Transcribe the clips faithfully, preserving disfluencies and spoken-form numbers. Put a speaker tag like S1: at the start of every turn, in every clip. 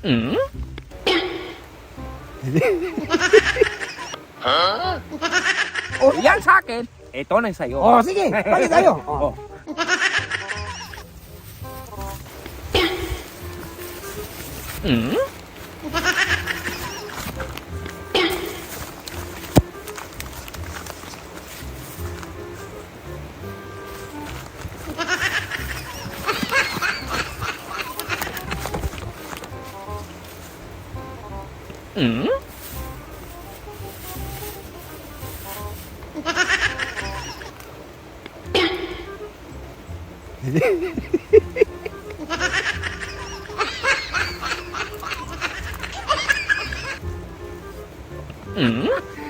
S1: Hmm? Oh, yan sa akin. Ito na sa'yo.
S2: Oh, sige. Balik tayo. Oh.
S1: Oh. Hmm? Hmm? Hmm?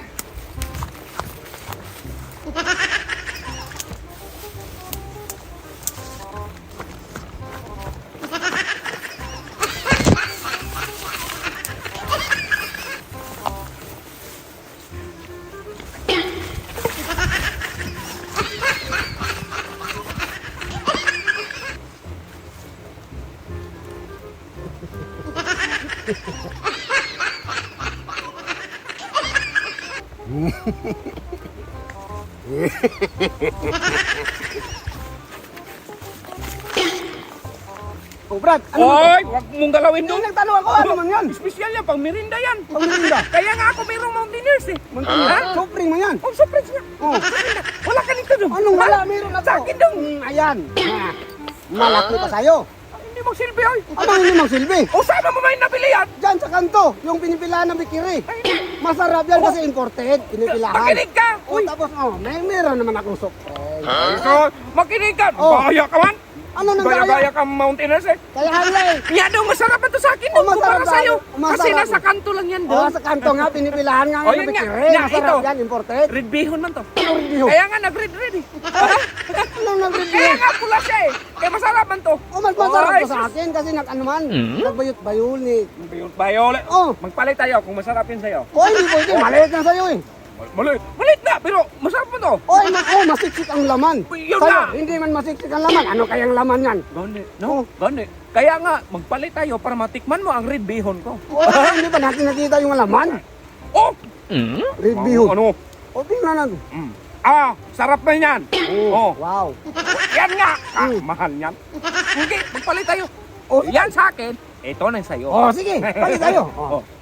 S2: Oh, Brad, ano man to?
S1: Oy, wag mong galawin
S2: Hindi,
S1: doon.
S2: nagtanong ako, ano man yan?
S1: Espesyal yan, pang merinda yan.
S2: Pangmerinda?
S1: Kaya nga ako mayroong Mountaineers eh.
S2: Mangkina,
S1: Ha?
S2: sobrang mo yan.
S1: Oh, surprise nga.
S2: Oh.
S1: Wala ka nito doon.
S2: Anong wala?
S1: Ha?
S2: Meron ako.
S1: Sa akin doon.
S2: Mm, ayan. Ah, malaki pa sa'yo.
S1: Hindi mo silbi, oy.
S2: Ano hindi magsilbi?
S1: O, saan mo may nabili yan?
S2: Diyan sa kanto, yung pinipilahan ng bikiri. Masarap yan kasi imported, pinipilahan.
S1: Makinig ka.
S2: Oh,
S1: Uy,
S2: tapos, oh, may meron naman akong surprise.
S1: so, makinig ka.
S2: Oh.
S1: Bahaya ka man.
S2: Ano nang
S1: Gaya-gaya
S2: gaya?
S1: ka Mountaineers eh.
S2: Kaya halay.
S1: Yan daw, masarap ito sa akin
S2: Oh,
S1: doon kumpara
S2: masarap
S1: sa'yo.
S2: daw. Masarap.
S1: Kasi nasa kanto lang yan
S2: Oh,
S1: doon.
S2: sa kanto nga, pinipilahan nga
S1: Oh,
S2: ng
S1: yun nga.
S2: bikiri.
S1: Nga,
S2: Masarap
S1: ito.
S2: yan, imported.
S1: Red bihon man to.
S2: Ano rin yun?
S1: Kaya nga nag-red-red eh.
S2: Anong
S1: Kaya
S2: nag-review?
S1: nga pula siya eh. Kaya masarap man to.
S2: Oh, mas masarap
S1: Ay,
S2: to sa akin kasi nag ano man,
S1: Hmm?
S2: nagbayot-bayol ni.
S1: Bayot bayo.
S2: Oh,
S1: Magpalit tayo kung masarap yun sa'yo.
S2: oh, hindi pwede, maliit na sa'yo eh.
S1: Malit. Malit na, pero masarap mo to.
S2: Oh, ma oh, masiksik ang laman.
S1: Yun
S2: Sa'yo,
S1: nga.
S2: hindi man masiksik ang laman. Ano kayang laman yan?
S1: Gani,
S2: Oh.
S1: no? Gani. Kaya nga, magpalit tayo para matikman mo ang red bihon ko.
S2: Oh, hindi ba natin nakita yung laman?
S1: Oh! Mm?
S2: Red bihon.
S1: Ano?
S2: Oh, tingnan natin.
S1: Mm. Ah, sarap na yan. Oh.
S2: Wow.
S1: Yan nga. Ah,
S2: Mm.
S1: mahal yan. Sige, magpalit tayo.
S2: Oh,
S1: Yan sa akin. Ito na sa'yo.
S2: Oh, sige, balik tayo. Oh.
S1: Oh.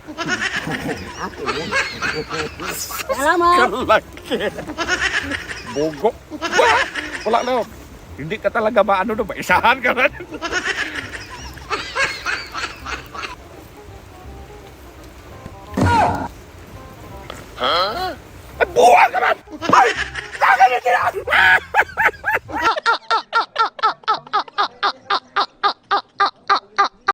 S2: Akin yan. Salamat.
S1: Kalaki. Bogo. Wala na. Hindi ka talaga maano no, maisahan ka na. Ha? Ay, buwan ka man!